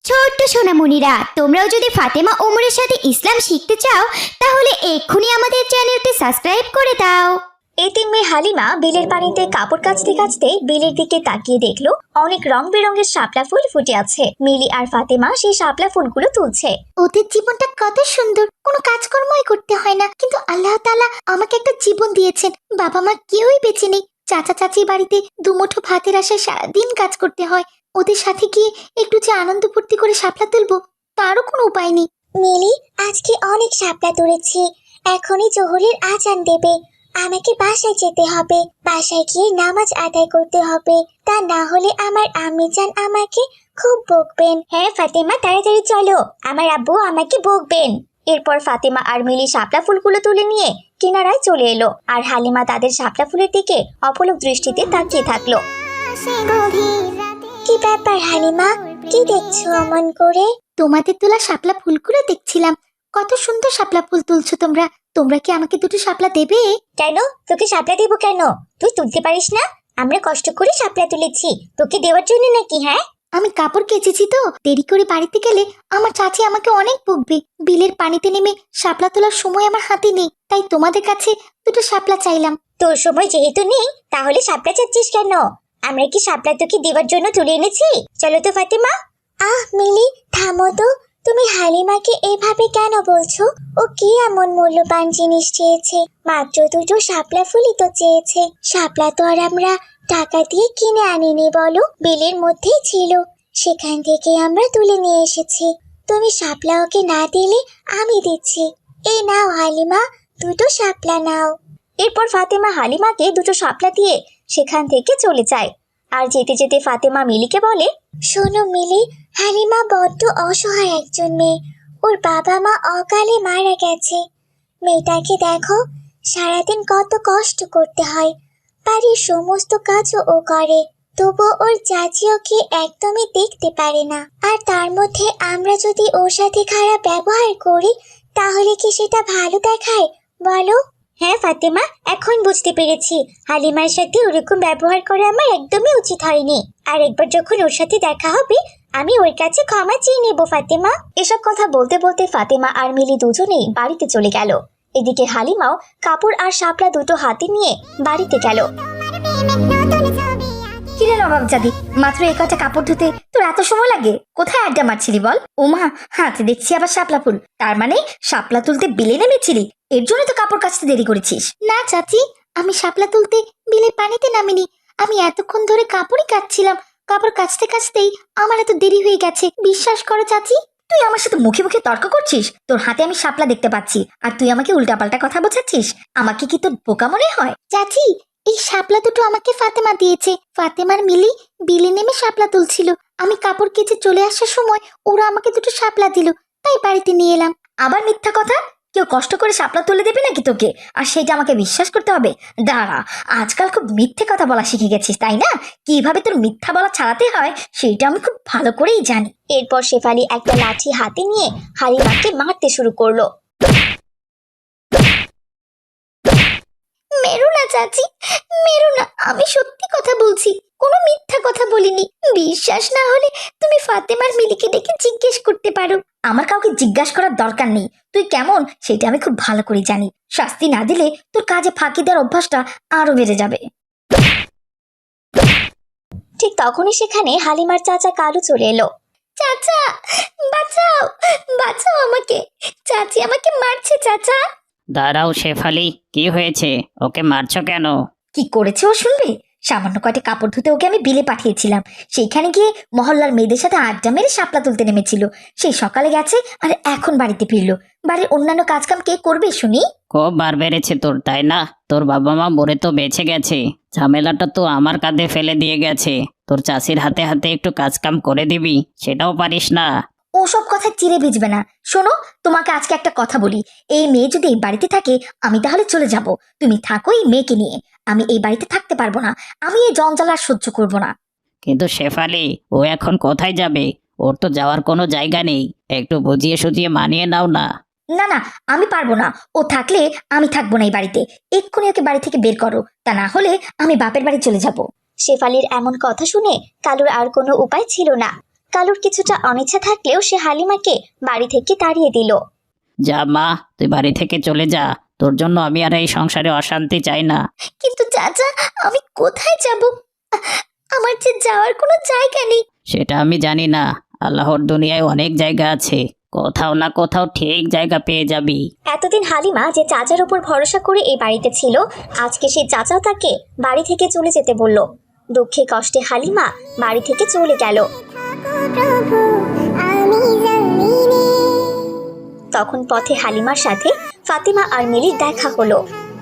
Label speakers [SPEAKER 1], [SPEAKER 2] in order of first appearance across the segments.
[SPEAKER 1] ছোট্ট সোনামণিরা, তোমরাও যদি ফাতেমা ওমরের সাথে ইসলাম শিখতে চাও তাহলে এক্ষুনি আমাদের চ্যানেলটি সাবস্ক্রাইব করে দাও।
[SPEAKER 2] এতিম মেয়ে হালিমা বিলের পানিতে কাপড় কাচতে কাচতে বিলের দিকে তাকিয়ে দেখলো অনেক রং বেরঙের শাপলা ফুল ফুটে আছে। মিলি আর ফাতেমা সেই শাপলা ফুলগুলো তুলছে।
[SPEAKER 1] ওদের জীবনটা কত সুন্দর, কোনো কাজকর্মই করতে হয় না, কিন্তু আল্লাহ তাআলা আমাকে একটা জীবন দিয়েছেন। বাবা মা কেউই বেঁচে নেই, চাচা চাচি বাড়িতে দুমুঠো ভাতের আশায় সারাদিন কাজ করতে হয়। ওদের সাথে গিয়ে একটু যে আনন্দ ফুর্তি করে শাপলা তুলবো তারও কোনো উপায় নেই।
[SPEAKER 2] মিলি, আজকে অনেক শাপলা তুলেছি, এখনই জোহরের আজান দেবে। আমাকে বাসায় যেতে হবে, বাসায় গিয়ে নামাজ আদায় করতে হবে, তা না হলে আমার আম্মিজান আমাকে খুব বকবেন। হ্যাঁ ফাতেমা, তাড়াতাড়ি চলো, আমার আব্বু আমাকে বকবেন। এরপর ফাতেমা আর মিলি শাপলা ফুলগুলো তুলে নিয়ে কিনারায় চলে এলো, আর হালিমা তাদের শাপলা ফুলের দিকে অপলক দৃষ্টিতে তাকিয়ে থাকলো। কি ব্যাপার হালিমা, কি দেখছো অমন করে?
[SPEAKER 1] তোমাদের তোলা শাপলা ফুলগুলো দেখছিলাম। কত সুন্দর শাপলা ফুল তুলছো তোমরা। তোমরা কি আমাকে দুটো শাপলা দেবে?
[SPEAKER 2] কেন, তোকে শাপলা দেবো কেন? তুই তুলতে পারিস না? আমরা কষ্ট করে শাপলা তুলেছি, তোকে দেওয়ার জন্য নাকি? হ্যাঁ,
[SPEAKER 1] আমি কাপড় কেচেছি তো, দেরি করে বাড়িতে গেলে আমার চাচি আমাকে অনেক বকবে। বিলের পানিতে নেমে শাপলা তোলার সময় আমার হাতে নেই, তাই তোমাদের কাছে দুটো শাপলা চাইলাম।
[SPEAKER 2] তোর সময় যেহেতু নেই তাহলে শাপলা চাচ্ছিস কেন? আমরা কি শাপলা তোকে দেওয়ার জন্য তুলে এনেছি? চলো তো ফাতেমা। মিলি, থামো তো, তুমি হালিমাকে এভাবে কেন বলছো? ও কি এমন মূল্যবান জিনিস চেয়েছে? মাত্র দুটো শাপলা ফুলই তো চেয়েছে। শাপলা তো আর আমরা টাকা দিয়ে কিনে আনিনি বলো, বিলের মধ্যেই ছিল, সেখান থেকে আমরা তুলে নিয়ে এসেছি। তুমি শাপলা ওকে না দিলে আমি দিচ্ছি। এই নাও হালিমা, দুটো শাপলা নাও। এরপর ফাতেমা হালিমাকে দুটো শাপলা দিয়ে সেখান থেকে চলে যায়। আর যেতে যেতে ফাতেমা মিলিকে বলে, শোনো মিলি, হালিমা বড্ড অসহায় একজন মেয়ে। ওর বাবা মা অকালে মারা গেছে। মেয়েটাকে দেখো, সারাদিন কত কষ্ট করতে হয়, বাড়ির সমস্ত কাজও ও করে, তবু ওর চাচি ওকে একদমই দেখতে পারে না। আর তার মধ্যে আমরা যদি ওর সাথে খারাপ ব্যবহার করি তাহলে কি সেটা ভালো দেখায় বলো? হ্যাঁ ফাতেমা, এখন বুঝতে পেরেছি হালিমার সাথে ওরকম ব্যবহার করা আমার একদমই উচিত হয়নি। আর একবার যখন ওর সাথে দেখা হবে আমি ওর কাছে ক্ষমা চেয়ে নেবো ফাতেমা। এসব কথা বলতে বলতে ফাতেমা আর মিলি দুজনেই বাড়িতে চলে গেল। এদিকে হালিমাও কাপড় আর শাপলা দুটো হাতে নিয়ে বাড়িতে গেল।
[SPEAKER 1] কিরে নবাব জাদি, মাত্র এই কটা কাপড় ধুতে তোর এত সময় লাগে? কোথায় আড্ডা মারছিলি বল? ওমা, হাতে দেখছি আবার শাপলা ফুল। তার মানে শাপলা তুলতে বিলে নেমেছিলি, এর জন্য তো কাপড় কাচতে দেরি করেছিস। না চাচি, আমি শাপলা তুলতে বিলে পানিতে নামিনি। আমি এতক্ষণ ধরে কাপড়ই কাচছিলাম। কাপড় কাচতে কাচতেই আমার এত দেরি হয়ে গেছে, বিশ্বাস করো চাচি। তুই আমার সাথে মুখে মুখে তর্ক করছিস? তোর হাতে আমি শাপলা দেখতে পাচ্ছি আর তুই আমাকে উল্টাপাল্টা কথা বোঝাচ্ছিস। আমাকে কি তোর বোকা মনে হয়? চাচি, এই শাপলা দুটো আমাকে ফাতেমা দিয়েছে। ফাতেমার মিলি বিলে নেমে শাপলা তুলছিল। আমি কাপড় কেচে চলে আসার সময় ওরা আমাকে দুটো শাপলা দিল, তাই বাড়িতে নিয়ে এলাম। আবার মিথ্যা কথা! কেউ কষ্ট করে শাপলা তুলে দেবে নাকি তোকে, আর সেটা আমাকে বিশ্বাস করতে হবে? দাঁড়া, আজকাল খুব মিথ্যে কথা বলা শিখে গেছিস তাই না? কিভাবে তোর মিথ্যা বলা ছাড়াতে হয় সেটা আমি খুব ভালো করেই জানি।
[SPEAKER 2] এরপর শেফালি একটা লাঠি হাতে নিয়ে হালিমাকে মারতে শুরু করলো।
[SPEAKER 1] মেরো না চাচি, মেরো না, আমি সত্যি কথা বলছি, কোনো মিথ্যা কথা বলিনি। বিশ্বাস না হলে তুমি ফাতেমার মিলিকে ডেকে জিজ্ঞেস করতে পারো। আমার কাউকে জিজ্ঞাসা করার দরকার নেই। তুই কেমন সেটা আমি খুব ভালো করে জানি। শাস্তি না দিলে তোর কাজে ফাঁকি দেওয়ার অভ্যাসটা আরো বেড়ে যাবে।
[SPEAKER 2] ঠিক তখনই সেখানে হালিমার চাচা কালু চলে এলো।
[SPEAKER 1] চাচা, বাঁচাও, বাঁচাও আমাকে, চাচি আমাকে মারছে চাচা।
[SPEAKER 3] দাঁড়াও শেফালি, কি হয়েছে? ওকে মারছো কেন?
[SPEAKER 1] কি করেছে ও শুনবে? সামান্য কয়টা কাপড় ধুতে ওকে আমি বিলে পাঠিয়েছিলাম। সেইখানে গিয়ে মহল্লার মেয়েদের সাথে আড্ডা মেরে শাপলা তুলতে নেমেছিল। সেই সকালে গেছে আর এখন বাড়িতে ফিরলো। বাড়ির অন্যান্য কাজকাম কে করবে শুনি?
[SPEAKER 3] খুব বার বেড়েছে তোর, তাই না? তোর বাবা মা মরে তো বেঁচে গেছে, ঝামেলাটা তো আমার কাঁধে ফেলে দিয়ে গেছে। তোর চাষির হাতে হাতে একটু কাজকাম করে দিবি, সেটাও পারিস না।
[SPEAKER 1] ওসব কথা চিড়ে ভিজবে না। শোনো, তোমাকে আজকে একটা কথা বলি। এই মেয়ে যদি এই বাড়িতে থাকে আমি তাহলে চলে যাব। তুমি থাকো এই মেয়েকে নিয়ে। আমি এই বাড়িতে থাকতে পারবো না। আমি এই জঞ্জাল আর সহ্য করবো না।
[SPEAKER 3] কিন্তু শেফালি, ও এখন কোথায় যাবে? ওর তো যাওয়ার কোনো জায়গা নেই। একটু বুঝিয়ে সুঝিয়ে মানিয়ে নাও না।
[SPEAKER 1] না না, আমি পারবো না। ও থাকলে আমি থাকবো না এই বাড়িতে। এক্ষুনি ওকে বাড়ি থেকে বের করো, তা না হলে আমি বাপের বাড়ি চলে যাব।
[SPEAKER 2] শেফালির এমন কথা শুনে কালুর আর কোনো উপায় ছিল না। কালুর কিছুটা অনিচ্ছা থাকলেও সে হালিমাকে বাড়ি থেকে তাড়িয়ে দিল।
[SPEAKER 3] যা মা, তুই বাড়ি থেকে চলে যা। তোর জন্য আমি আর এই সংসারে অশান্তি চাই না।
[SPEAKER 1] কিন্তু চাচা, আমি কোথায় যাব? আমার যে যাওয়ার কোনো জায়গা নেই।
[SPEAKER 3] সেটা আমি জানি না, আল্লাহর দুনিয়ায় অনেক জায়গা আছে, কোথাও না কোথাও ঠিক জায়গা পেয়ে যাবি।
[SPEAKER 2] এতদিন হালিমা যে চাচার উপর ভরসা করে এই বাড়িতে ছিল, আজকে সেই চাচাও তাকে বাড়ি থেকে চলে যেতে বলল। দুঃখে কষ্টে হালিমা বাড়ি থেকে চলে গেল। তখন পথে হালিমার সাথে ফাতিমা আর মিলির দেখা হলো।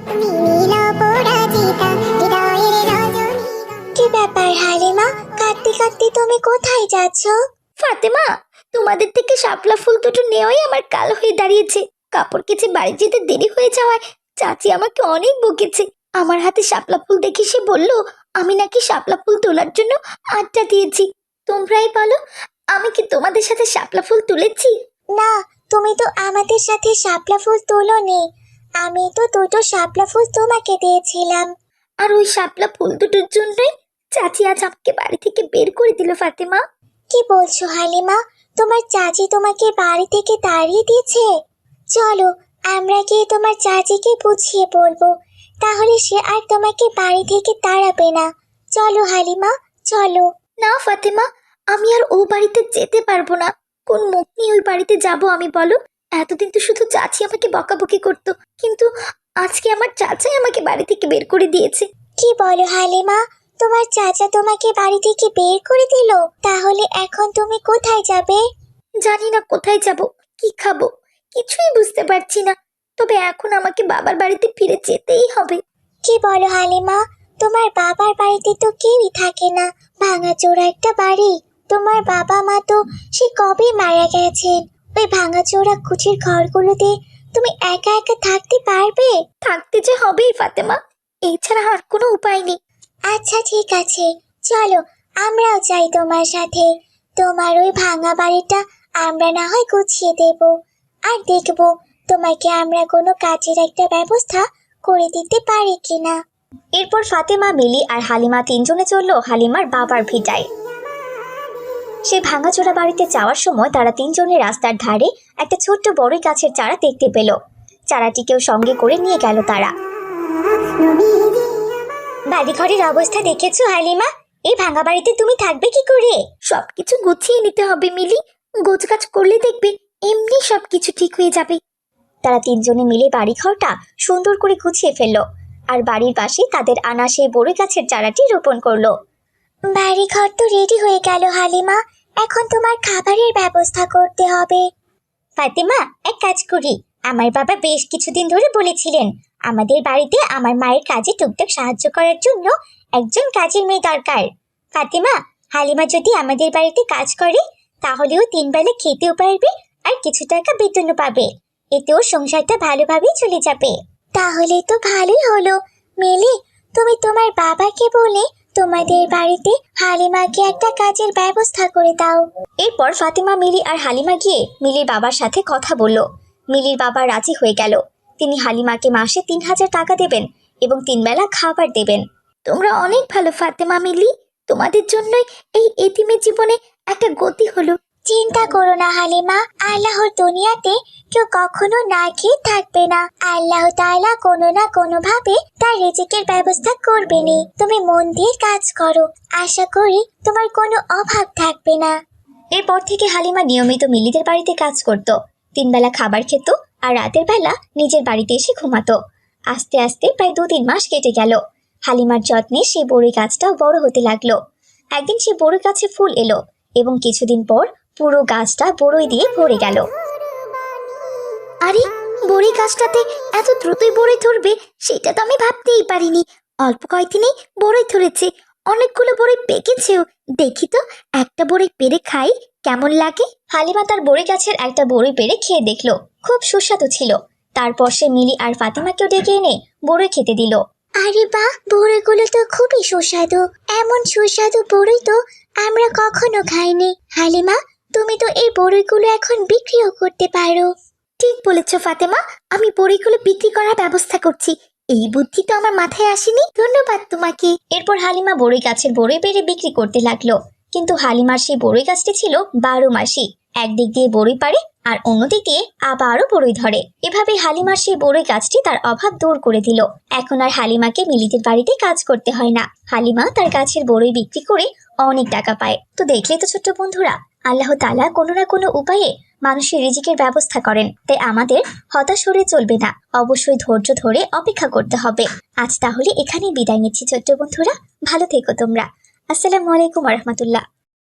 [SPEAKER 2] কি ব্যাপার হালিমা, কাঁদতে কাঁদতে তুমি কোথায় যাচ্ছ?
[SPEAKER 1] ফাতেমা, তোমাদের থেকে শাপলা ফুল দুটো নেওয়াই আমার কাল হয়ে দাঁড়িয়েছে। কাপড় কেচে বাড়ি যেতে দেরি হয়ে যাওয়ায় চাচি আমাকে অনেক বকেছে। আমার হাতে শাপলা ফুল দেখে সে বলল আমি নাকি শাপলা ফুল তোলার জন্য আড্ডা দিয়েছি। তোমরাই বলো, আমি কি তোমাদের সাথে শাপলা ফুল তুলেছি?
[SPEAKER 2] না, তুমি তো আমাদের সাথে শাপলা ফুল তোলোনি। আমি তো দুটো শাপলা ফুল তোমাকে দিয়েছিলাম।
[SPEAKER 1] আর ওই শাপলা ফুল দুটোর জন্যই চাচি আজ আমাকে বাড়ি থেকে বের করে দিল। ফাতেমা,
[SPEAKER 2] কি বলছো হালিমা, তোমার চাচি তোমাকে বাড়ি থেকে তাড়িয়ে দিয়েছে? চলো আমরা গিয়ে তোমার চাচিকে বুঝিয়ে বলবো, তাহলে সে আর তোমাকে বাড়ি থেকে তাড়াবে না। চলো হালিমা, চলো।
[SPEAKER 1] না ফাতেমা, আমি আর ও বাড়িতে যেতে পারবো না। কোন মুখ নিয়ে ওই বাড়িতে যাব আমি বলো? এতদিন তো শুধু চাচি আমাকে বকাবকি করতো, কিন্তু আজকে আমার চাচাই আমাকে বাড়ি থেকে বের করে দিয়েছে।
[SPEAKER 2] কি বলো হালিমা, তোমার চাচা তোমাকে বাড়ি থেকে বের করে দিল? তাহলে এখন তুমি কোথায় যাবে?
[SPEAKER 1] জানি না কোথায় যাব, কি খাবো, কিছুই বুঝতে পারছি না। তবে এখন আমাকে বাবার বাড়িতে ফিরে যেতেই হবে।
[SPEAKER 2] কি বলো হালিমা, তোমার বাবার বাড়িতে তো কেউই থাকে না, ভাঙাচোরা একটা বাড়ি। তোমার বাবা মা তো সে কবে মারা গেছেন। ওই ভাঙাচোরা কুচির ঘরগুলোতে তুমি একা একা থাকতে পারবে?
[SPEAKER 1] থাকতে যে হবেই ফাতেমা, এছাড়া আর কোনো উপায় নেই।
[SPEAKER 2] আচ্ছা ঠিক আছে, চলো আমরাও যাই তোমার সাথে। তোমার ওই ভাঙা বাড়িটা আমরা না হয় গুছিয়ে দেব, আর দেখব তোমাকে আমরা কোনো কাজের একটা ব্যবস্থা করে দিতে পারি কিনা। এরপর ফাতেমা, মিলি আর হালিমা তিনজনে চলল হালিমার বাবার ভিটায়। সে ভাঙাচোরা বাড়িতে যাওয়ার সময় তারা তিনজনে রাস্তার ধারে একটা ছোট্ট বড়ই গাছের চারা দেখতে পেল। চারাটিকেও সঙ্গে করে নিয়ে গেল তারা। বাড়িঘরের অবস্থা দেখেছো হালিমা? এই ভাঙা বাড়িতে তুমি থাকবে কি করে?
[SPEAKER 1] সবকিছু গুছিয়ে নিতে হবে মিলি, গোছগাছ করলে দেখবে এমনি সবকিছু ঠিক হয়ে যাবে।
[SPEAKER 2] তারা তিনজনে মিলে বাড়িঘরটা সুন্দর করে গুছিয়ে ফেললো, আর বাড়ির পাশে তাদের আনা সেই বড়ই গাছের চারাটি রোপণ করলো। বাড়িঘর তো রেডি হয়ে গেল হালিমা, এখন তোমার খাবারের ব্যবস্থা করতে হবে। ফাতিমা, এক কাজ করি, আমার বাবা বেশ কিছুদিন ধরে বলেছিলেন আমাদের বাড়িতে আমার মায়ের কাজে টুকটাক সাহায্য করার জন্য একজন কাজের মেয়ে দরকার। ফাতিমা, হালিমা যদি আমাদের বাড়িতে কাজ করে তাহলেও 3 বেলা খেতেও পারবে আর কিছু টাকা বেতনও পাবে। এতেও সংসারটা ভালোভাবেই চলে যাবে। তাহলে তো ভালোই হলো। মিলি, তুমি তোমার বাবাকে বলে তোমাদের বাড়িতে হালিমাকে একটা কাজের ব্যবস্থা করে দাও। এরপর ফাতিমা, মিলি আর হালিমা গিয়ে মিলির বাবার সাথে কথা বলল। মিলির বাবা রাজি হয়ে গেল। তিনি হালিমাকে মাসে 3000 টাকা দেবেন এবং 3 বেলা খাবার দেবেন।
[SPEAKER 1] তোমরা অনেক ভালো ফাতেমা, মিলি, তোমাদের জন্যই এই এতিমের জীবনে একটা গতি হলো।
[SPEAKER 2] চিন্তা করো না হালিমা, আল্লাহর দুনিয়াতে কেউ কখনো না খেয়ে থাকবে না। আল্লাহ তাআলা কোনো না কোনো ভাবে তার রিজিকের ব্যবস্থা করবেনই। তুমি মন দিয়ে কাজ করো, আশা করি তোমার কোনো অভাব থাকবে না। এরপর থেকে হালিমা নিয়মিত মিলিদের বাড়িতে কাজ করত। 3 বেলা খাবার খেত আর রাতের বেলা নিজের বাড়িতে এসে ঘুমাতো। আস্তে আস্তে প্রায় 2-3 মাস কেটে গেল। হালিমার যত্নে সেই বড়ই গাছটাও বড় হতে লাগলো। একদিন সেই বড়ই গাছে ফুল এলো এবং কিছুদিন পর পুরো গাছটা বড়ই দিয়ে ভরে গেল।
[SPEAKER 1] আরে, বড়ই গাছটাতে এত দ্রুতই বড়ই ধরবে সেটা তো আমি ভাবতেই পারিনি। অল্প কয়েকদিনেই বড়ই ধরেছে, অনেকগুলো বড়ই পেকেছেও। দেখি তো একটা বড়ই পেরে খাই কেমন লাগে।
[SPEAKER 2] হালিমা তার বড়ই গাছের একটা বড়ই পেরে খেয়ে দেখলো, খুব সুস্বাদু ছিল। তারপর সে মিলি আর ফাতিমাকেও ডেকে এনে বড়ই খেতে দিল। আরে বাহ, বড়ইগুলো তো খুবই সুস্বাদু। এমন সুস্বাদু বড়ই তো আমরা কখনো খাইনি। হালিমা, তুমি তো এই বড়ইগুলো এখন বিক্রিও করতে পারো।
[SPEAKER 1] ঠিক বলেছ ফাতেমা, আমি বড়িগুলো বিক্রি করার ব্যবস্থা করছি। এই বুদ্ধি তো আমার মাথায় আসেনি, ধন্যবাদ তোমাকে।
[SPEAKER 2] এরপর হালিমা বড়ই গাছের বড়ই পেরে বিক্রি করতে লাগলো। কিন্তু হালিমার সেই বড়ই গাছটি ছিল 12 মাসি। একদিক দিয়ে বড়ই পারে আর অন্যদিক দিয়ে আবারও বড়ই ধরে। এভাবে হালিমার সেই বড়ই গাছটি তার অভাব দূর করে দিল। এখন আর হালিমাকে মিলিদের বাড়িতে কাজ করতে হয় না। হালিমা তার গাছের বড়ই বিক্রি করে অনেক টাকা পায়। তো দেখলেই তো ছোট্ট বন্ধুরা, আল্লাহ তাআলা কোনো না কোনো উপায়ে মানুষের রিজিকের ব্যবস্থা করেন। তাই আমাদের হতাশ হলে চলবে না, অবশ্যই ধৈর্য ধরে অপেক্ষা করতে হবে। আজ তাহলে এখানেই বিদায় নিচ্ছি ছোট্ট বন্ধুরা, ভালো থেকো তোমরা। আসসালামু আলাইকুম রাহমাতুল্লাহ।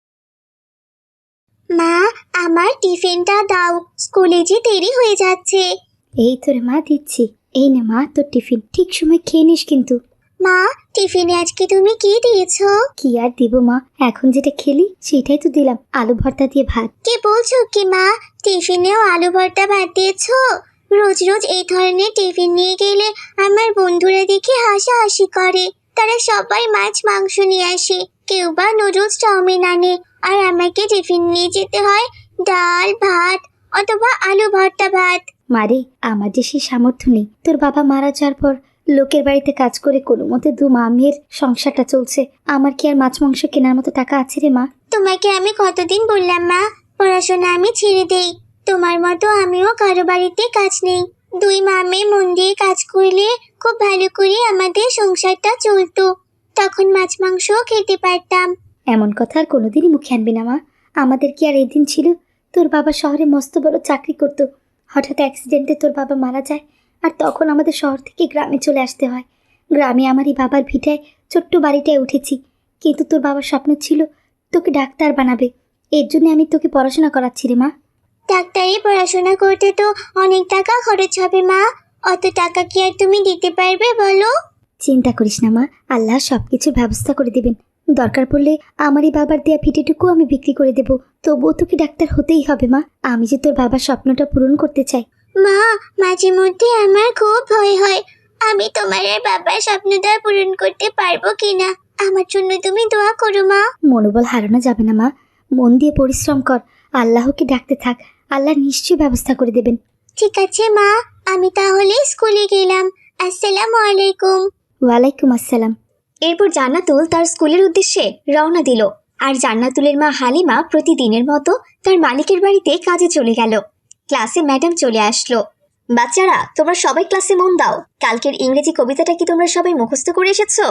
[SPEAKER 2] মা, আমার টিফিনটা দাও, স্কুলে যে দেরি হয়ে যাচ্ছে।
[SPEAKER 1] এই তোর মা দিচ্ছি। এই নে মা তোর টিফিন, ঠিক সময় খেয়ে নিস কিন্তু।
[SPEAKER 2] মা, টিফিনে আজকে তুমি কি দিয়েছো?
[SPEAKER 1] কি আর দিব মা, এখন যেটা খেলি সেটাই তো দিলাম, আলু ভর্তা দিয়ে ভাত।
[SPEAKER 2] কি বলছো কি মা, টিফিনেও আলু ভর্তা ভাত দিয়েছো? রোজ রোজ এই ধরনের টিফিন নিয়ে গেলে আমার বন্ধুরা দেখে হাসাহাসি করে। তারা সবাই মাছ মাংস নিয়ে আসে, কেউ বা নুডলস চাউমিন আনে, আর আমাকে টিফিন নিয়ে যেতে হয় ডাল ভাত অথবা আলু ভর্তা ভাত।
[SPEAKER 1] মারে, আমার যে সেই সামর্থ্য নেই। তোর বাবা মারা যাওয়ার পর লোকের বাড়িতে কাজ করে কোনো মতে দু মামের সংসারটা চলছে। আমার কি আর মাছ মাংস কেনার মতো টাকা আছে রে মা?
[SPEAKER 2] তোমাকে আমি কতদিন বললাম মা, পড়াশোনা আমি ছেড়ে দেই। তোমার মতো আমিও কারো বাড়িতে কাজ নেই। দুই মামে মন দিয়ে কাজ করলে খুব ভালো করে আমাদের সংসারটা চলতো, তখন মাছ মাংসও খেতে পারতাম।
[SPEAKER 1] এমন কথা আর কোনোদিনই মুখে আনবি না মা। আমাদের কি আর এই দিন ছিল? তোর বাবা শহরে মস্ত বড় চাকরি করতো, হঠাৎ অ্যাক্সিডেন্টে তোর বাবা মারা যায়, আর তখন আমাদের শহর থেকে গ্রামে চলে আসতে হয়। গ্রামে আমারই বাবার ভিটায় ছোট্ট বাড়িটায় উঠেছি। কিন্তু তোর বাবার স্বপ্ন ছিল তোকে ডাক্তার বানাবে, এর জন্য আমি তোকে পড়াশোনা করাচ্ছি রে মা।
[SPEAKER 2] ডাক্তারি পড়াশোনা করতে তো অনেক টাকা খরচ হবে মা, অত টাকা কি আর তুমি দিতে পারবে বলো?
[SPEAKER 1] চিন্তা করিস না মা, আল্লাহ সব কিছুর ব্যবস্থা করে দেবেন। দরকার পড়লে আমারই বাবার দেয়া ভিটেটুকু আমি বিক্রি করে দেব, তবুও তোকে ডাক্তার হতেই হবে মা। আমি যে তোর বাবার স্বপ্নটা পূরণ করতে চাই।
[SPEAKER 2] মা, মাঝে মধ্যে আমার খুব ভয় হয়, আমি তোমার আর বাবার স্বপ্নটা পূরণ করতে পারবো কিনা। আমার জন্য তুমি দোয়া করো মা।
[SPEAKER 1] মনোবল হারানো যাবে না মা, মন দিয়ে পরিশ্রম কর, আল্লাহকে ডাকতে থাক, আল্লাহ নিশ্চয়ই ব্যবস্থা করে দেবেন।
[SPEAKER 2] ঠিক আছে মা, আমি তাহলে স্কুলে গেলাম। আসসালামু আলাইকুম।
[SPEAKER 1] ওয়ালাইকুম আসসালাম।
[SPEAKER 2] এরপর জান্নাতুল তার স্কুলের উদ্দেশ্যে রওনা দিল। আর জান্নাতুলের মা হালিমা প্রতিদিনের মতো তার মালিকের বাড়িতে কাজে চলে গেল। ক্লাসে ম্যাডাম চলে আসলো। বাচ্চারা, তোমরা সবাই ক্লাসে মন দাও। কালকের ইংরেজি কবিতাটা কি তোমরা সবাই মুখস্থ করে এসেছো?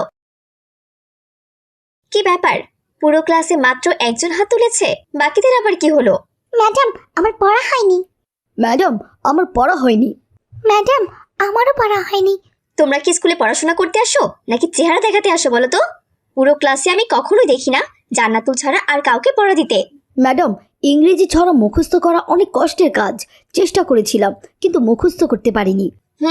[SPEAKER 2] কি ব্যাপার, পুরো ক্লাসে মাত্র একজন হাত তুলেছে, বাকিদের আবার কি হলো? ম্যাডাম, আমার পড়া হয়নি।
[SPEAKER 1] ম্যাডাম, আমার পড়া হয়নি।
[SPEAKER 2] ম্যাডাম, আমারও পড়া হয়নি। তোমরা কি স্কুলে পড়াশোনা করতে আসো নাকি চেহারা দেখাতে আসো বলো তো? পুরো ক্লাসে আমি কখনোই দেখি না জান্নাতুল ছাড়া আর কাউকে পড়া দিতে।
[SPEAKER 1] ম্যাডাম, ইংরেজি ছড়া মুখস্থ করা অনেক কষ্টের কাজ, চেষ্টা করেছিলাম কিন্তু মুখস্থ করতে পারিনি।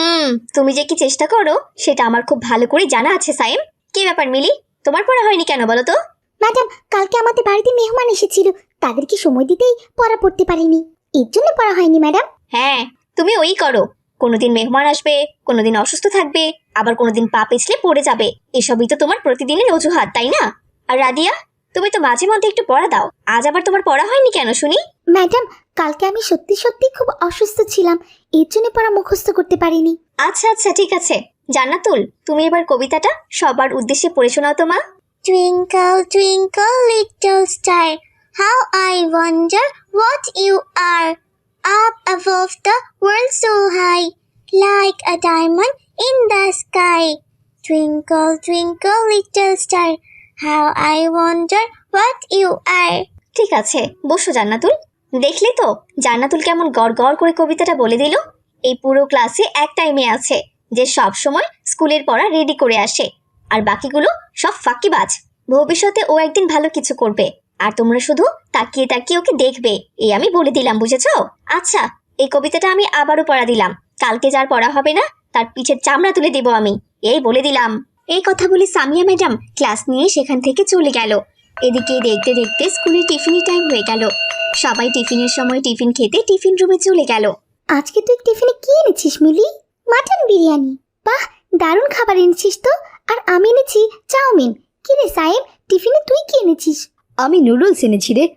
[SPEAKER 2] তুমি যে কি চেষ্টা করো সেটা আমার খুব ভালো করে জানা আছে সাইম। কি ব্যাপার মিলি, তোমার পড়া হয়নি কেন বলো তো? ম্যাডাম, কালকে আমাদের বাড়িতে মেহমান এসেছিল, তাদেরকে সময় দিতেই পড়া পড়তে পারিনি, এর জন্য পড়া হয়নি ম্যাডাম। হ্যাঁ, তুমি ওই করো, কোনোদিন মেহমান আসবে, কোনোদিন অসুস্থ থাকবে, আবার কোনোদিন পা পিছলে পড়ে যাবে। এসবই তো তোমার প্রতিদিনের অজুহাত, তাই না? আর রাদিয়া, তুমি তো মাঝে মধ্যে একটু পড়া দাও, আজ আবার তোমার পড়া হয়নি কেন শুনি?
[SPEAKER 1] ম্যাডাম, কালকে আমি সত্যি সত্যি খুব অসুস্থ ছিলাম, এর জন্য পড়া মুখস্থ করতে পারিনি।
[SPEAKER 2] আচ্ছা আচ্ছা, ঠিক আছে। জান্নাতুল, তুমি এবার কবিতাটা সবার উদ্দেশ্যে পড়ে শোনাও তো মা। Twinkle, twinkle, little star, how I wonder what you are. Up above the world so high, like a diamond in the sky. Twinkle, twinkle, little star, how I wonder what you are. ঠিক আছে, বসো জান্নাতুল। দেখলি তো জান্নাতুল কেমন গড় গড় করে কবিতাটা বলে দিল। এই পুরো ক্লাসে একটাই মেয়ে আছে যে সব সময় স্কুলের পড়া রেডি করে আসে, আর বাকিগুলো সব ফাঁকিবাজ। ভবিষ্যতে ও একদিন ভালো কিছু করবে, আর তোমরা শুধু তাকিয়ে তাকিয়ে ওকে দেখবে, এই আমি বলে দিলাম, বুঝেছো? আচ্ছা, এই কবিতাটা আমি আবারও পড়া দিলাম, কালকে যার পড়া হবে না তার পিঠের চামড়া তুলে দেব আমি, এই বলে দিলাম। এই কথা বলে সামিয়া ম্যাডাম ক্লাস নিয়ে সেখান থেকে চলে গেল। এদিকে দেখতে দেখতে স্কুলের টিফিনের টাইম হয়ে গেল। সবাই টিফিনের সময় টিফিন খেতে টিফিন রুমে চলে গেল।
[SPEAKER 1] আজকে তুই টিফিনে কি এনেছিস মিলি?
[SPEAKER 2] মাটন বিরিয়ানি।
[SPEAKER 1] বাহ, দারুণ খাবার এনেছিস তো। আর আমি এনেছি চাউমিন। কি রে সাহেব, টিফিনে তুই কি এনেছিস? আমি নুডলস এনেছি রে।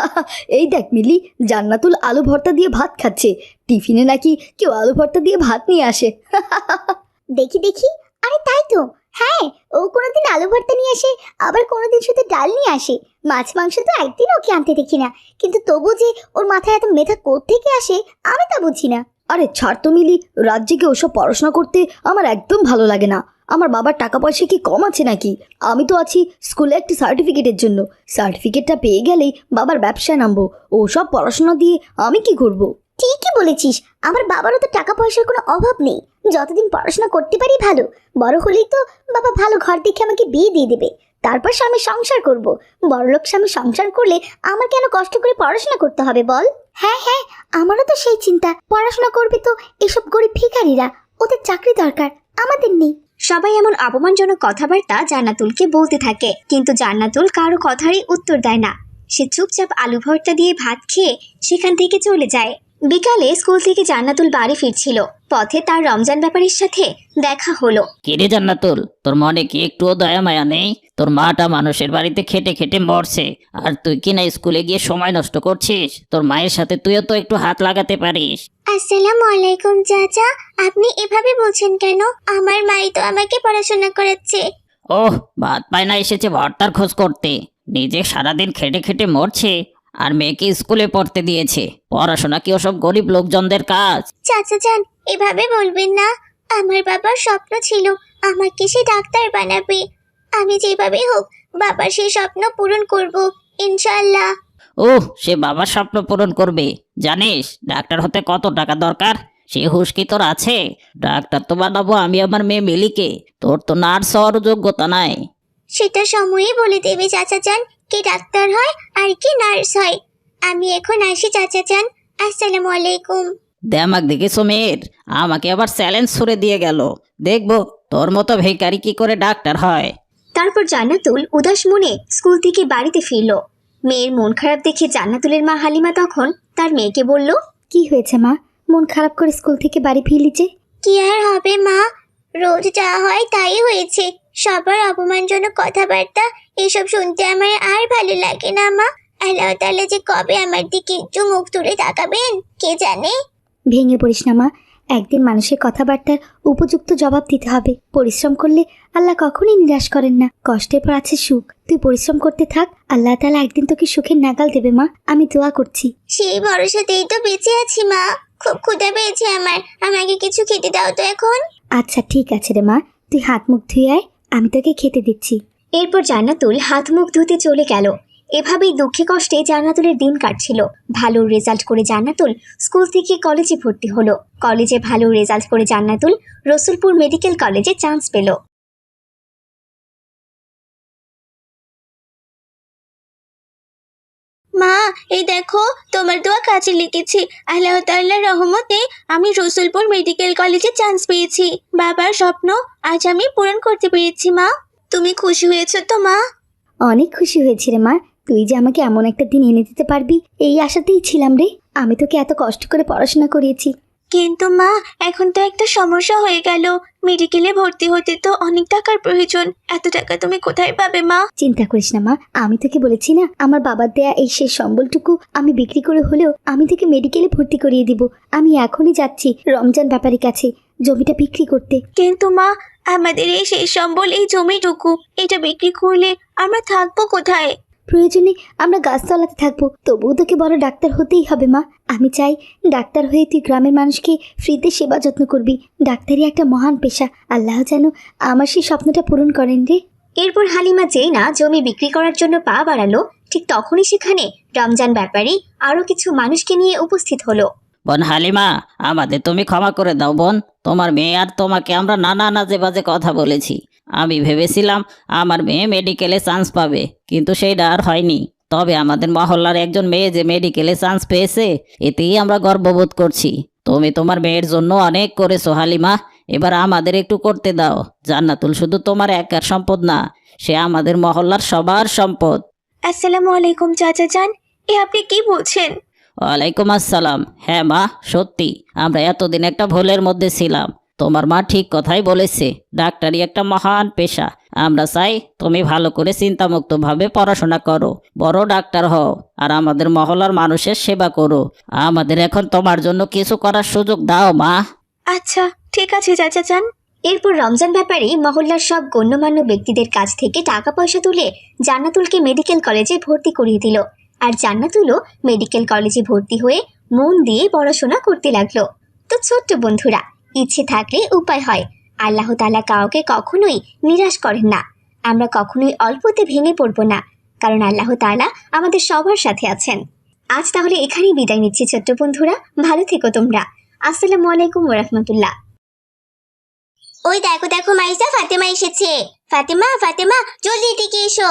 [SPEAKER 1] এই দেখ মিলি, জান্নাতুল আলু ভর্তা দিয়ে ভাত খাচ্ছে। টিফিনে নাকি কেউ আলু ভর্তা দিয়ে ভাত নিয়ে আসে।
[SPEAKER 2] দেখি দেখি, আরে তাই তো, হ্যাঁ, ও কোনোদিন আলু ভর্তা নিয়ে আসে, আবার কোনোদিন শুধু ডাল নিয়ে আসে। মাছ মাংস তো একদিন ওকে আনতে দেখি না, কিন্তু তবু যে ওর মাথায় এত মেধা কোত্থেকে আসে আমি তা বুঝি না।
[SPEAKER 1] আরে ছাড় তো মিলি, রাত জেগে ওসব পড়াশোনা করতে আমার একদম ভালো লাগে না। আমার বাবার টাকা পয়সা কি কম আছে নাকি? আমি তো আছি স্কুলে একটি সার্টিফিকেটের জন্য। সার্টিফিকেটটা পেয়ে গেলেই বাবার ব্যবসায় নামবো। ওসব পড়াশোনা দিয়ে আমি কি করব?
[SPEAKER 2] ঠিকই বলেছিস, আমার বাবারও তো টাকা পয়সার কোনো অভাব নেই। যতদিন পড়াশোনা করতে পারি ভালো, বড় হলেই তো বাবা ভালো ঘর দেখে আমাকে বিয়ে দিয়ে দেবে, তারপর স্বামী সংসার করব। বড়লোক স্বামী সংসার করলে আমার কেন কষ্ট করে পড়াশোনা করতে হবে বল? হ্যাঁ হ্যাঁ, আমারও তো সেই চিন্তা। পড়াশোনা করবে তো এসব গরিব ভিখারিরা, ওদের চাকরি দরকার, আমাদের নেই।
[SPEAKER 1] সবাই এমন অপমানজনক কথাবার্তা জান্নাতুলকে বলতে থাকে, কিন্তু জান্নাতুল কারো কথারই উত্তর দেয় না। সে চুপচাপ আলু ভর্তা দিয়ে ভাত খেয়ে সেখান থেকে চলে যায়। বিকালে স্কুল থেকে জান্নাতুল বাড়ি ফিরছিল, পথে তার রমজান ব্যাপারীর সাথে দেখা হলো।
[SPEAKER 3] কিরে জান্নাতুল, তোর মনে কি একটুও দয়া মায়া নেই? তোর মাটা মানুষের বাড়িতে খেটে খেটে মরছে, আর তুই কিনা স্কুলে গিয়ে সময় নষ্ট করছিস? তোর মায়ের সাথে তুইও তো একটু হাত লাগাতে পারিস।
[SPEAKER 2] আসসালামু আলাইকুম চাচা, আপনি এভাবে বলছেন কেন? আমার মাই তো আমাকে পড়াশোনা করাচ্ছে।
[SPEAKER 3] ওহ, ভাত পায়না এসেছে ভর্তার খোঁজ করতে। নিজে সারাদিন খেটে খেটে মরছে, আর মেয়েকে স্কুলে পড়তে দিয়েছে। পড়াশোনা কি ওসব গরিব লোকজনদের কাজ?
[SPEAKER 2] চাচা যান, এভাবে বলবেন না। আমার বাবার স্বপ্ন ছিল আমাকে সে ডাক্তার বানাবে। আমি যেভাবে হোক বাবার সেই স্বপ্ন পূরণ করব, ইনশাআল্লাহ।
[SPEAKER 3] ওহ, সে বাবার স্বপ্ন পূরণ করবে। জানিস ডাক্তার হতে কত টাকা দরকার? সে হুঁশ কি তোর আছে? ডাক্তার তো বানাবো আমি আমার মেয়ে মিলিকে। তোর তো নার্স হওয়ার যোগ্যতা নাই।
[SPEAKER 2] সেটা সময়ই বলে দেবে চাচা যান, কে ডাক্তার হয় আর কে নার্স হয়। আমি এখন আসি চাচা যান, আসসালামু আলাইকুম।
[SPEAKER 3] দেমাক দেখেছো মেয়ের? আমাকে আবার চ্যালেঞ্জ ছুড়ে দিয়ে গেল। দেখবো তোর মতো ভিখারি কি করে ডাক্তার হয়।
[SPEAKER 1] তারপর জান্নাতুল উদাস মনে স্কুল থেকে বাড়িতে ফিরল। মেয়ের মন খারাপ দেখে জান্নাতুলের মা হালিমা তখন তার মেয়েকে বলল, কি হয়েছে মা, মন খারাপ করে স্কুল থেকে বাড়ি ফিরলি যে?
[SPEAKER 2] কি আর হবে মা, রোজ যা হয় তাই হয়েছে। সবার অপমানজনক কথাবার্তা এসব শুনতে আমার আর ভালো লাগে না মা। আল্লাহ তাআলা যে কবে আমার দিকে একটু মুখ তুলে তাকাবেন কে জানে।
[SPEAKER 1] ভেঙে পড়িস না মা, একদিন মানুষের কথাবার্তার উপযুক্ত জবাব দিতে হবে। পরিশ্রম করলে আল্লাহ কখনোই নিরাশ করেন না। কষ্টের পর আছে সুখ, তুই পরিশ্রম করতে থাক, আল্লাহ তাআলা একদিন তোকে সুখের নাগাল দেবে মা, আমি দোয়া করছি।
[SPEAKER 2] সেই ভরসাতেই তো বেঁচে আছি মা। খুব ক্ষুধা পেয়েছে আমার, আমাকে কিছু খেতে দাও তো এখন।
[SPEAKER 1] আচ্ছা ঠিক আছে রে মা, তুই হাত মুখ ধুয়ে আয়, আমি তোকে খেতে দিচ্ছি। এরপর জান্নাতুল হাত মুখ ধুতে চলে গেল। এভাবেই দুঃখে কষ্টে জান্নাতুলের দিন কাটছিল। ভালো রেজাল্ট করে জান্নাতুল স্কুল থেকে কলেজে ভর্তি হলো। কলেজে ভালো রেজাল্ট করে জান্নাতুল রসুলপুর মেডিকেল কলেজে চান্স পেল।
[SPEAKER 2] মা, এই দেখো তোমার দোয়া কাজে লেগেছে। আল্লাহ তাআলার রহমতে আমি রসুলপুর মেডিকেল কলেজে চান্স পেয়েছি। বাবার স্বপ্ন আজ আমি পূরণ করতে পেরেছি মা। তুমি খুশি হয়েছো তো মা?
[SPEAKER 1] অনেক খুশি হয়েছি রে মা, তুই যে আমাকে এমন একটা দিন এনে দিতে পারবি এই আশাতেই ছিলাম রে। আমি তোকে এত কষ্ট করে পড়াশোনা করিয়েছি।
[SPEAKER 2] কিন্তু মা, এখন তো একটা সমস্যা হয়ে গেল। মেডিকেলে ভর্তি হতে তো অনেক টাকার প্রয়োজন। এত টাকা তুমি কোথায় পাবে মা?
[SPEAKER 1] চিন্তা করিস না মা, আমি তোকে বলেছি না, আমার বাবার দেয়া এই শেষ সম্বলটুকু আমি বিক্রি করে হলেও আমি তোকে মেডিকেলে ভর্তি করিয়ে দিব। আমি এখনই যাচ্ছি রমজান ব্যাপারীর কাছে জমিটা বিক্রি করতে।
[SPEAKER 2] কিন্তু মা, আমাদের এই শেষ সম্বল এই জমিটুকু, এটা বিক্রি করলে আমরা থাকবো কোথায়?
[SPEAKER 1] প্রয়োজনে আমরা গাছতলাতে থাকবো, তবুও তোকে বড় ডাক্তার হতেই হবে মা। আমি চাই ডাক্তার হয়ে তুই গ্রামের মানুষকে ফ্রিতে সেবা যত্ন করবি। ডাক্তারি একটা মহান পেশা, আল্লাহ যেন আমার সেই স্বপ্নটা পূরণ করেন রে। এরপর হালিমা যেই না জমি বিক্রি করার জন্য পা বাড়ালো, ঠিক তখনই সেখানে রমজান ব্যাপারী আরো কিছু মানুষকে নিয়ে উপস্থিত হলো।
[SPEAKER 3] বোন হালিমা, আমাদের তুমি ক্ষমা করে দাও বোন। তোমার মেয়ে আর তোমাকে আমরা নানা নাজে বাজে কথা বলেছি। আমি ভেবেছিলাম আমার মেয়ে মেডিকেলে চান্স পাবে, কিন্তু সেইটা আর হয়নি। তবে আমাদের মহল্লার একজন মেয়ে যে মেডিকেলে চান্স পেয়েছে, এতেই আমরা গর্ববোধ করছি। তুমি তোমার মেয়ের জন্য অনেক করেছো হালিমা, এবার আমাদের একটু করতে দাও। জান্নাতুল শুধু তোমার একার সম্পদ না, সে আমাদের মহল্লার সবার সম্পদ।
[SPEAKER 2] আসসালামু আলাইকুম চাচা যান, এ আপনি কি বলছেন?
[SPEAKER 3] ওয়ালাইকুম আসসালাম। হ্যাঁ মা, সত্যি আমরা এতদিন একটা ভুলের মধ্যে ছিলাম। তোমার মা ঠিক কথাই বলেছে, ডাক্তারি একটা মহান পেশা। আমরা চাই তুমি ভালো করে চিন্তামুক্তভাবে পড়াশোনা করো, বড় ডাক্তার হও, আর আমাদের মহল্লার মানুষের সেবা করো। আমাদের এখন তোমার জন্য কিছু করার সুযোগ দাও মা।
[SPEAKER 2] আচ্ছা ঠিক আছে চাচা যান। এরপর রমজান ব্যাপারী মহল্লার সব গণ্যমান্য ব্যক্তিদের কাছ থেকে টাকা পয়সা তুলে জান্নাতুলকে মেডিকেল কলেজে ভর্তি করিয়ে দিল। আর জান্নাতুলও মেডিকেল কলেজে ভর্তি হয়ে মন দিয়ে পড়াশোনা করতে লাগলো। তো ছোট্ট বন্ধুরা, ইচ্ছে থাকলে উপায় হয়। আল্লাহ তাআলা কাউকে কখনোই নিরাশ করেন না। আমরা কখনোই অল্পতে ভেঙে পড়বো না, কারণ আল্লাহ তাআলা আমাদের সবার সাথে আছেন। আজ তাহলে এখানেই বিদায় নিচ্ছি ছোট্ট বন্ধুরা, ভালো থেকো তোমরা। আসসালামু আলাইকুম ওয়া রাহমাতুল্লাহ। ওই দেখো দেখো মাইসা, ফাতেমা এসেছে। ফাতেমা ফাতেমা জলদি এদিকে এসো।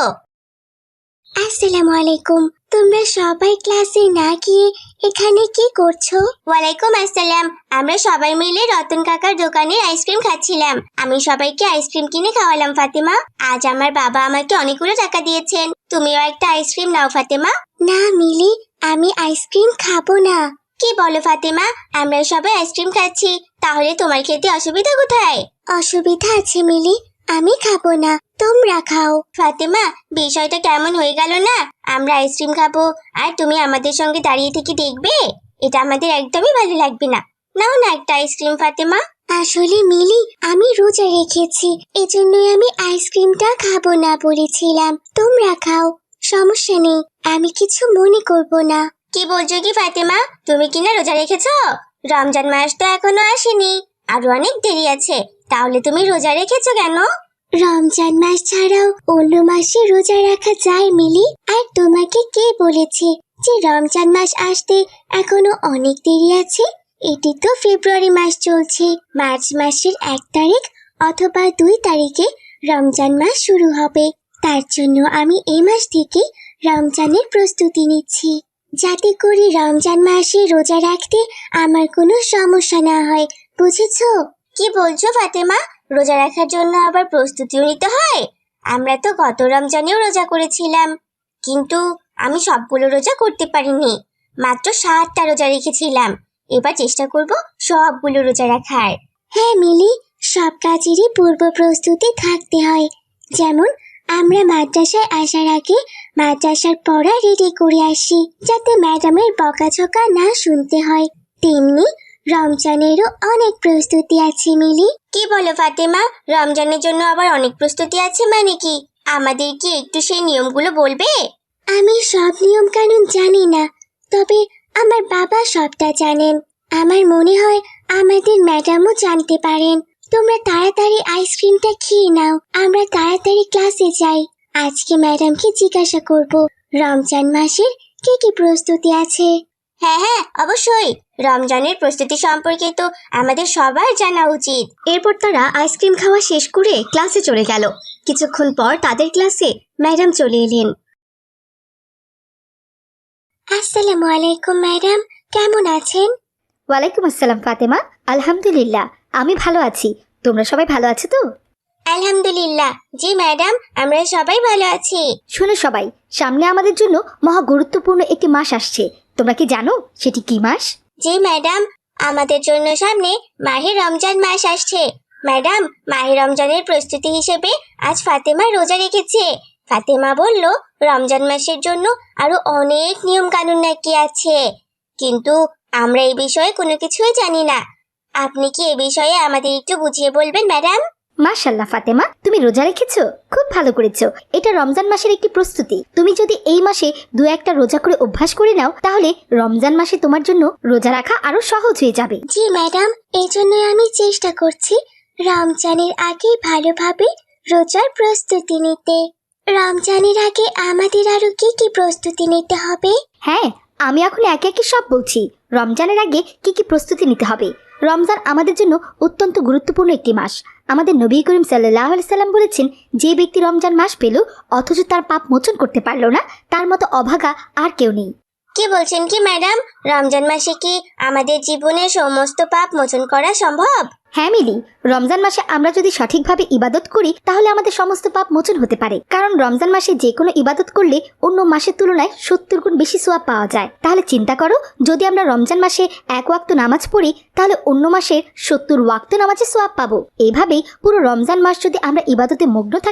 [SPEAKER 2] আসসালামু আলাইকুম। তোমরা সবাই ক্লাসে না গিয়ে এখানে কি করছো? ওয়ালাইকুম আসসালাম। আমরা সবাই মিলে রতন কাকার দোকানে আইসক্রিম খাচ্ছিলাম। আমি সবাইকে আইসক্রিম কিনে খাওয়ালাম ফাতেমা। আজ আমার বাবা আমাকে অনেকগুলো টাকা দিয়েছেন। তুমিও একটা আইসক্রিম নাও ফাতেমা। না মিলি, আমি আইসক্রিম খাবো না। কি বলো ফাতেমা? আমরা সবাই আইসক্রিম খাচ্ছি, তাহলে তোমার খেতে অসুবিধা কোথায়? অসুবিধা আছে মিলি, আমি খাবো না, তোমরা খাও। ফাতেমা, বিষয়টা কেমন হয়ে গেল না? আমরা আইসক্রিম খাবো আর তুমি আমাদের সঙ্গে দাঁড়িয়ে থেকে দেখবে? এটা আমাদের একদমই ভালো লাগবে না। নাও না একটা আইসক্রিম ফাতেমা। আসলে মিলি, আমি রোজা রেখেছি, এজন্যই আমি আইসক্রিমটা খাবো না বলেছিলাম। তোমরা খাও, সমস্যা নেই, আমি কিছু মনে করব না। কি বলছো কি ফাতেমা? তুমি কিনা রোজা রেখেছো? রমজান মাস তো এখনো আসেনি, আরো অনেক দেরি আছে, তাহলে তুমি রোজা রেখেছো কেন? রমজান মাস ছাড়াও অন্য মাসে রোজা রাখা যায় মিলি। আর তোমাকে কে বলেছে যে রমজান মাস আসতে এখনো অনেক দেরি আছে? এটি তো ফেব্রুয়ারি মাস চলছে। মার্চ মাসের 1 তারিখ অথবা 2 তারিখে রমজান মাস শুরু হবে। তার জন্য আমি এই মাস থেকে রমজানের প্রস্তুতি নিচ্ছি, যাতে করে রমজান মাসে রোজা রাখতে আমার কোনো সমস্যা না হয়, বুঝেছো? কি বলছো ফাতেমা? রোজা রাখার জন্য আবার প্রস্তুতিও নিতে হয়? আমরা তো গত রমজানেও রোজা করেছিলাম, কিন্তু আমি সবগুলো রোজা করতে পারিনি, মাত্র 7টা রোজা রেখেছিলাম। এবার চেষ্টা করব সবগুলো রোজা রাখার। হ্যাঁ মিলি, সব কাজেরই পূর্ব প্রস্তুতি থাকতে হয়। যেমন আমরা মাদ্রাসায় আসার আগে মাদ্রাসার পড়া রেডি করে আসি, যাতে ম্যাডামের বকাঝকা না শুনতে হয়। তেমনি রমজানেরও অনেক প্রস্তুতি আছে মিলি। কি বলো ফাতেমা? রমজানের জন্য আবার অনেক প্রস্তুতি আছে মানে কি? আমাদের কি একটু সেই নিয়মগুলো বলবে? আমি সব নিয়ম কানুন জানি না, তবে আমার বাবা সবটা জানেন। আমার মনে হয় আমাদের ম্যাডামও জানতে পারেন। তোমরা তাড়াতাড়ি আইসক্রিমটা খেয়ে নাও, আমরা তাড়াতাড়ি ক্লাসে যাই। আজকে ম্যাডামকে জিজ্ঞাসা করব রমজান মাসের কি কি প্রস্তুতি আছে। হ্যাঁ হ্যাঁ, অবশ্যই। রমজানের প্রস্তুতি সম্পর্কে তো আমাদের সবার জানা উচিত। এরপর তারা আইসক্রিম খাওয়া শেষ করে ক্লাসে চলে গেল। কিছুক্ষণ পর তাদের ক্লাসে ম্যাডাম চলে এলেন। আসসালামু আলাইকুম ম্যাডাম, কেমন আছেন?
[SPEAKER 1] ওয়ালাইকুম আসসালাম ফাতেমা, আলহামদুলিল্লাহ আমি ভালো আছি। তোমরা সবাই ভালো আছো তো?
[SPEAKER 2] আলহামদুলিল্লাহ, জি ম্যাডাম, আমরা সবাই ভালো আছি।
[SPEAKER 1] শোনো সবাই, সামনে আমাদের জন্য মহা গুরুত্বপূর্ণ একটি মাস আসছে। তোমরা কি জানো সেটি কি মাস?
[SPEAKER 2] জি ম্যাডাম, আমাদের জন্য সামনে মাহে রমজান মাস আসছে। ম্যাডাম, মাহে রমজানের প্রস্তুতি হিসেবে আজ ফাতেমা রোজা রেখেছে। ফাতেমা বলল রমজান মাসের জন্য আরো অনেক নিয়ম কানুন নাকি আছে, কিন্তু আমরা এই বিষয়ে কোনো কিছুই জানি না। আপনি কি এ বিষয়ে আমাদের একটু বুঝিয়ে বলবেন ম্যাডাম?
[SPEAKER 1] মাশাআল্লাহ ফাতেমা, তুমি রোজা রেখেছো, খুব ভালো করেছো। এটা রমজান মাসের একটি প্রস্তুতি। তুমি যদি এই মাসে 2-1টা রোজা করে অভ্যাস করে নাও, তাহলে রমজান মাসে তোমার জন্য রোজা রাখা আরো সহজ হয়ে যাবে।
[SPEAKER 2] জি ম্যাডাম, এই জন্য আমি চেষ্টা করছি রমজানের আগে ভালোভাবে রোজার প্রস্তুতি নিতে। রমজানের আগে আমাদের আরো কি কি প্রস্তুতি নিতে হবে?
[SPEAKER 1] হ্যাঁ, আমি এখন একে একে সব বলছি। রমজানের আগে কি কি প্রস্তুতি নিতে হবে। রমজান আমাদের জন্য অত্যন্ত গুরুত্বপূর্ণ একটি মাস। আমাদের নবী করিম সাল্লাল্লাহু আলাইহি সাল্লাম বলেছেন, যে ব্যক্তি রমজান মাস পেল অথচ তার পাপ মোচন করতে পারল না, তার মতো অভাগা আর কেউ নেই।
[SPEAKER 2] কি বলছেন কি ম্যাডাম? রমজান মাসে কি আমাদের জীবনের সমস্ত পাপ মোচন করা সম্ভব?
[SPEAKER 1] হ্যাঁ মিলি, রমজান মাসে আমরা যদি সঠিকভাবে ইবাদত করি তাহলে আমাদের সমস্ত পাপ মোচন হতে পারে। কারণ রমজান মাসে যে কোনো ইবাদত করলে অন্য মাসের তুলনায় 70 গুণ বেশি সওয়াব পাওয়া যায়। তাহলে চিন্তা করো, যদি আমরা রমজান মাসে 1 ওয়াক্ত নামাজ পড়ি তাহলে অন্য মাসের 70 ওয়াক্ত নামাজের সওয়াব পাবো। এইভাবেই পুরো রমজান মাস যদি আমরা ইবাদতে মগ্ন থাকি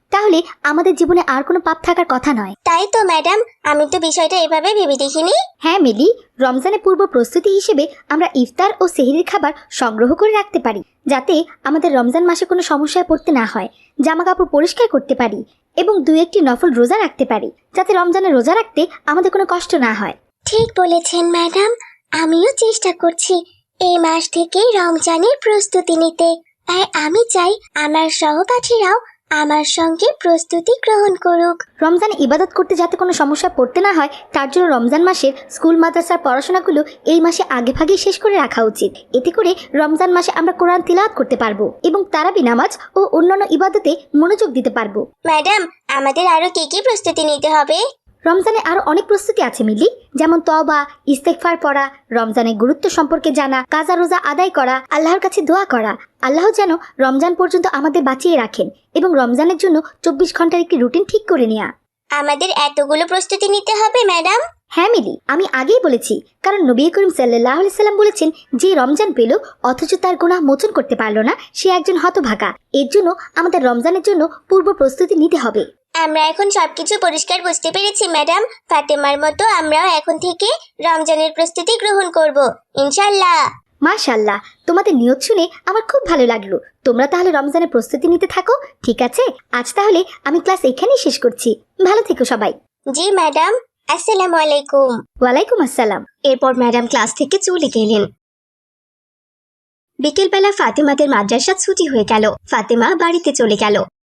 [SPEAKER 1] তাহলে আমাদের জীবনে আর কোনো পাপ থাকার কথা নয়।
[SPEAKER 2] তাই তো ম্যাডাম, আমি তো বিষয়টা এভাবে ভেবে দেখিনি।
[SPEAKER 1] হ্যাঁ মিলি, রমজানের পূর্ব প্রস্তুতি হিসেবে আমরা ইফতার ও সেহরির খাবার সংগ্রহ করে রাখতে পারি, যাতে আমাদের রমজান মাসে কোনো সমস্যায় পড়তে না হয়। জামা কাপড় পরিষ্কার করতে পারি এবং 2-1টি নফল রোজা রাখতে পারি, যাতে রমজানে রোজা রাখতে আমাদের কোনো কষ্ট না হয়।
[SPEAKER 2] ঠিক বলেছেন ম্যাডাম, আমিও চেষ্টা করছি এই মাস থেকে রমজানের প্রস্তুতি নিতে। আর আমি চাই আমার সহপাঠীরাও আমার সঙ্গে প্রস্তুতি গ্রহণ করুক।
[SPEAKER 1] রমজানে ইবাদত করতে যাতে কোনো সমস্যায় পড়তে না হয়, তার জন্য রমজান মাসের স্কুল মাদ্রাসার পড়াশোনাগুলো এই মাসে আগে ভাগেই শেষ করে রাখা উচিত। এতে করে রমজান মাসে আমরা কোরআন তিলাওয়াত করতে পারবো এবং তারাবি নামাজ ও অন্যান্য ইবাদতে মনোযোগ দিতে পারবো।
[SPEAKER 2] ম্যাডাম, আমাদের আরো কি কি প্রস্তুতি নিতে হবে?
[SPEAKER 1] রমজানে আরো অনেক প্রস্তুতি আছে মিলি, যেমন তওবা, ইস্তেগফার পড়া, রমজানের গুরুত্ব সম্পর্কে জানা, কাজা রোজা আদায় করা, আল্লাহর কাছে দোয়া করা, আল্লাহ যেন রমজান পর্যন্ত আমাদের বাঁচিয়ে রাখেন এবং রমজানের জন্য 24 ঘন্টার একটি রুটিন ঠিক করে নেওয়া।
[SPEAKER 2] আমাদের এতগুলো প্রস্তুতি নিতে হবে ম্যাডাম?
[SPEAKER 1] হ্যাঁ মিলি, আমি আগেই বলেছি, কারণ নবী করিম সাল্লাল্লাহু আলাইহি সাল্লাম বলেছেন, যে রমজান পেল অথচ তার গুনাহ মোচন করতে পারল না, সে একজন হতভাগা। এর জন্য আমাদের রমজানের জন্য পূর্ব প্রস্তুতি নিতে হবে।
[SPEAKER 2] আমরা এখন সবকিছু পরিষ্কার বুঝতে পেরেছি ম্যাডাম। ফাতেমার মতো আমরাও এখন থেকে রমজানের প্রস্তুতি গ্রহণ করব, ইনশাআল্লাহ।
[SPEAKER 1] মাশাআল্লাহ, তোমাদের নিয়ত শুনে আমার খুব ভালো লাগলো। তোমরা তাহলে রমজানের প্রস্তুতি নিতে থাকো, ঠিক আছে? আজ তাহলে আমি ক্লাস এখানেই শেষ করছি। ভালো থেকো সবাই।
[SPEAKER 2] জি ম্যাডাম, আসসালামু আলাইকুম।
[SPEAKER 1] ওয়ালাইকুম আসসালাম।
[SPEAKER 2] এরপর ম্যাডাম ক্লাস থেকে চলে গেলেন। বিকেলবেলা ফাতেমাদের মাদ্রাসা ছুটি হয়ে গেল। ফাতেমা বাড়িতে চলে গেল।